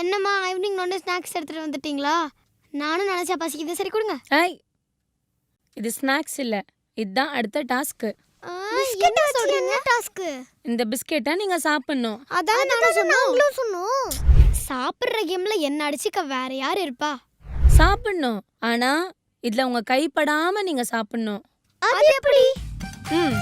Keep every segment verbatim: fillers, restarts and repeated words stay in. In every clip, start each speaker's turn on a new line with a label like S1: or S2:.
S1: என்னம்மா evening நோண்டு snacks எடுத்துட்டு வந்துட்டீங்களா? நானும் நினைச்சா பசிக்குது. சரி கொடுங்க.
S2: ஏய் இது ஸ்நாக்ஸ் இல்ல, இதுதான் அடுத்த டாஸ்க்.
S1: என்ன சொல்றீங்க? டாஸ்க்
S2: இந்த பிஸ்கெட்டை நீங்க சாப்பிடணும்.
S1: அதான் நானும் சொன்னோம் சொன்னோம் சாப்பிடுற கேம்ல என்ன அடிச்சுக்க வேற யார் இருப்பா?
S2: சாப்பிடணும், ஆனா இதுல உங்க கைப்படாம நீங்க சாப்பிடணும்.
S1: அது எப்படி?
S2: ம்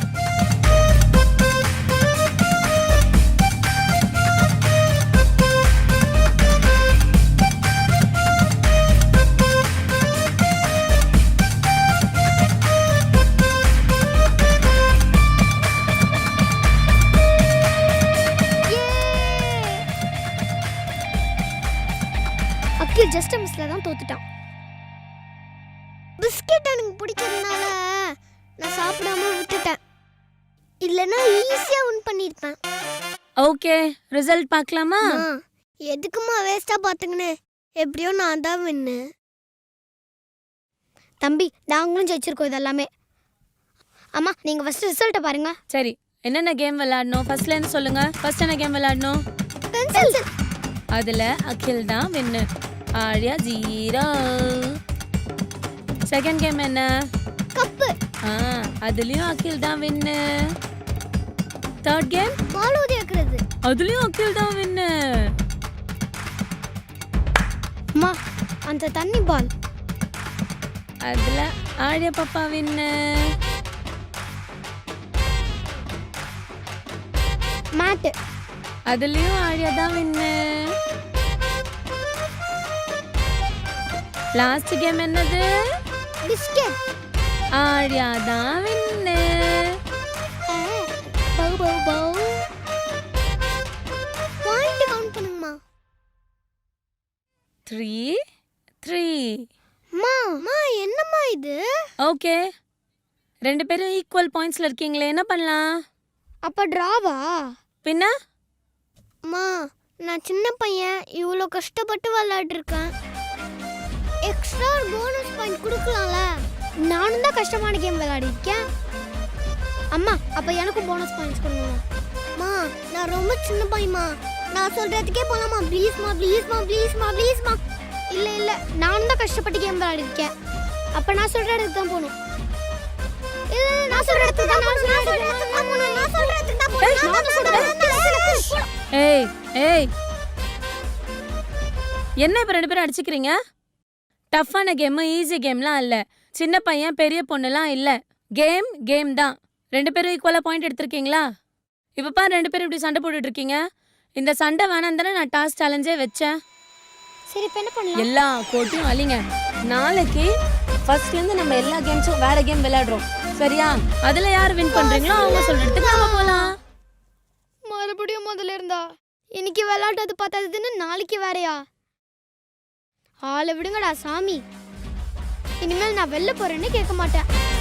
S1: அக்கில் ஜஸ்ட் மிஸ்ல தான் தோத்துட்டான். பிஸ்கெட் எனக்கு பிடிக்கிறதுனால நான் சாப்பிடாம விட்டுட்டேன். இல்லனா ஈஸியா வின் பண்ணிருப்பேன்.
S2: ஓகே, ரிசல்ட் பார்க்கலாமா?
S1: எதுக்குமா வேஸ்டா பாத்துங்கனே? எப்படியோ நான் தான் வின்னு. தம்பி நாங்களும் ஜெயிச்சிருக்கோம் இதெல்லாமே. அம்மா நீங்க ஃபர்ஸ்ட் ரிசல்ட்ட பாருங்க.
S2: சரி, என்னென்ன கேம் விளையாடணும் ஃபர்ஸ்ட்ல இருந்து சொல்லுங்க. ஃபர்ஸ்ட் என்ன கேம் விளையாடணும்?
S1: பென்சில்.
S2: அதுல அகில் தான் win, Arya zero. Second game என்ன?
S1: கப்பு.
S2: ஆ அதுலயும் அகில் தான் வின்னு. தேர்ட் கேம்
S1: பால் ஊதிக்கிறது.
S2: அதுலயும் அகில் தான் வின்னு.
S1: அம்மா அந்த தண்ணி பால்.
S2: அதுல ஆர்யா பாப்பா வின்னு.
S1: மேட்.
S2: அதுலயும் ஆர்யா தான் வின்னு. லாஸ்ட் கேம் என்னது?
S1: பிஸ்கெட்.
S2: ஆர்யா தான் வின்னு.
S1: பவு பவு பவு. பாயிண்ட் கவுண்ட் பண்ணுங்கம்மா.
S2: Three three.
S1: அம்மா அம்மா என்னம்மா இது?
S2: ஓகே, ரெண்டு பேரும் ஈக்குவல் பாயிண்ட்ஸ்ல இருக்கீங்களே, என்ன பண்ணலாம்?
S1: அப்ப டிராவா?
S2: பின்ன
S1: அம்மா நான் சின்ன பையன், இவ்வளோ கஷ்டப்பட்டு விளையாட்டு இருக்கேன். எக்ஸ்ட்ரா போனஸ் பாயிண்ட் கொடுக்கலாம்ல? நானும் தான் கஷ்டமான கேம் விளையாடி இருக்கேன். அம்மா அப்ப எனக்கும் போனஸ் பாயிண்ட்ஸ் கொடுங்க. அம்மா நான் ரொம்ப சின்ன பையன்மா, நான் சொல்றதுக்கே போலாமா? ப்ளீஸ்மா ப்ளீஸ்மா ப்ளீஸ்மா ப்ளீஸ்மா. இல்ல இல்ல நானும் தான் கஷ்டப்பட்டு கேம் விளையாடி இருக்கேன். அப்ப நான் சொல்ற இடத்துக்கு தான் போகணும். இல்ல நான் சொல்ற இடத்துக்கு தான் நான் சொல்ற இடத்துக்கு தான் போகணும். நான் சொல்ற இடத்துக்கு தான் போகணும். நான் சொல்ற இடத்துக்கு.
S2: ஏய் ஏய் என்ன இப்ப ரெண்டு பேரும் அடிச்சுக்கிறீங்க? டஃப்பான கேம் ஈஸி கேம்லாம் இல்ல, சின்ன பையன் பெரிய பொண்ணுலாம் இல்ல. கேம் கேம் தான். ரெண்டு பேரும் ஈக்குவலா பாயிண்ட் எடுத்திருக்கீங்களா? இப்ப பாரு ரெண்டு பேரும் இப்படி சண்டை போட்டுட்டு இருக்கீங்க. இந்த சண்டை வேணாம் தானே நான் டாஸ்க் சேலஞ்சே வச்சேன்.
S1: சரி இப்ப என்ன பண்ணலாம்?
S2: எல்லா கோட்டையும் அழிங்க. நாளைக்கு ஃபர்ஸ்ட்ல இருந்து நம்ம எல்லா கேம்ஸும் வேற கேம் விளையாடுறோம், சரியா? அதுல யார் வின் பண்றீங்களோ அவங்க சொல்றதுக்கு நாம போலாம்.
S1: மறுபடியும் முதல்ல இருந்தா இன்னைக்கு விளையாட்டது பார்த்ததுன்னு நாளைக்கு வேறயா? ஆளை விடுங்கடா சாமி. இனிமேல் நான் வெளில போறேன்னு கேட்க மாட்டேன்.